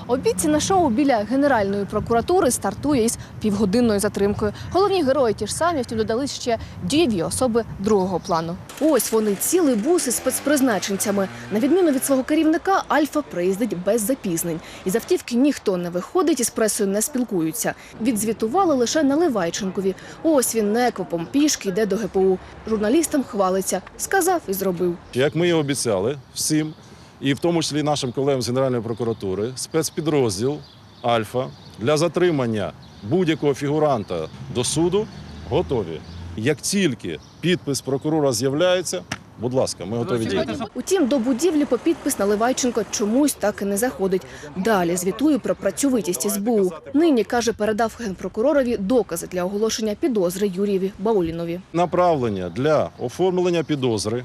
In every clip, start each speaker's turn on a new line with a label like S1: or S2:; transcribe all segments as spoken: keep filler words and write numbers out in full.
S1: Обіцяне шоу біля Генеральної прокуратури стартує із півгодинною затримкою. Головні герої ті ж самі, втім додали ще дієві особи другого плану. Ось вони, цілий бус із спецпризначенцями. На відміну від свого керівника, Альфа приїздить без запізнень. Із автівки ніхто не виходить, із пресою не спілкуються. Відзвітували лише Наливайченкові. Ось він неквапом пішки йде до ге пе у. Журналістам хвалиться. Сказав і зробив.
S2: Як ми і обіцяли всім, і в тому числі нашим колегам з Генеральної прокуратури, спецпідрозділ «Альфа» для затримання будь-якого фігуранта до суду готові. Як тільки підпис прокурора з'являється, будь ласка, ми готові діяти.
S1: Утім, до будівлі по підпис Наливайченко чомусь так і не заходить. Далі звітує про працьовитість ес бе у. Нині, каже, передав генпрокуророві докази для оголошення підозри Юрієві Баулінові.
S2: Направлення для оформлення підозри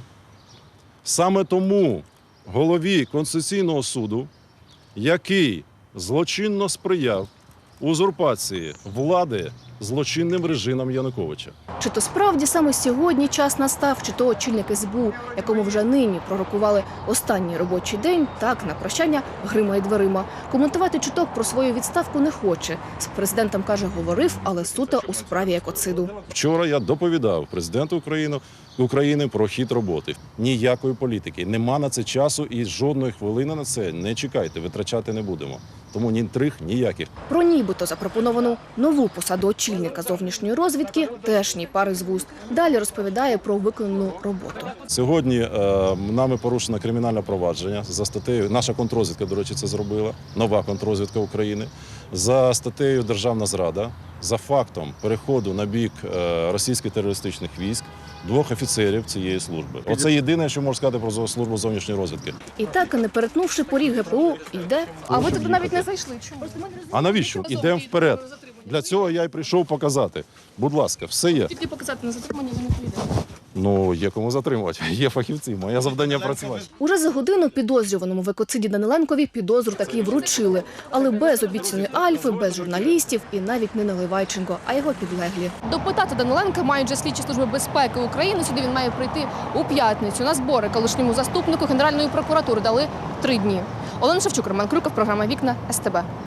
S2: саме тому голові Конституційного суду, який злочинно сприяв узурпації влади злочинним режимом Януковича.
S1: Чи то справді саме сьогодні час настав, чи то очільник ес бе у, якому вже нині пророкували останній робочий день, так, на прощання гримає дверима. Коментувати чуток про свою відставку не хоче. З президентом, каже, говорив, але суто у справі екоциду.
S2: Вчора я доповідав президенту України, України про хід роботи. Ніякої політики. Нема на це часу і жодної хвилини на це не чекайте, витрачати не будемо. Тому ні інтриг, ніяких.
S1: Про нібито запропоновану нову посаду очільника зовнішньої розвідки теж ні пари з вуст. Далі розповідає про виконану роботу.
S2: Сьогодні е, нами порушено кримінальне провадження за статтею, наша контррозвідка, до речі, це зробила, нова контррозвідка України, за статтею «Державна зрада», за фактом переходу на бік е, російських терористичних військ двох офіцерів цієї служби. Оце єдине, що можу сказати про службу зовнішньої розвідки.
S1: І так, не перетнувши поріг ге пе у, йде. А ви туди навіть не зайшли. Чому?
S2: А навіщо? Ідемо вперед. Для цього я й прийшов показати. Будь ласка, все є.
S1: Тільки показати на затримання ви не поїдете.
S2: Ну, є кому затримувати. Є фахівці. Моє завдання працювати.
S1: Уже за годину підозрюваному в екоциді Даниленкові підозру таки вручили. Але без обіцяної Альфи, без журналістів і навіть не Наливайченко, а його підлеглі. Допитати Даниленка мають вже слідчі служби безпеки України. Сюди він має прийти у п'ятницю. На збори колишньому заступнику Генеральної прокуратури дали три дні. Олена Шевчук, Роман Крюков, програма «Вікна», ес те бе.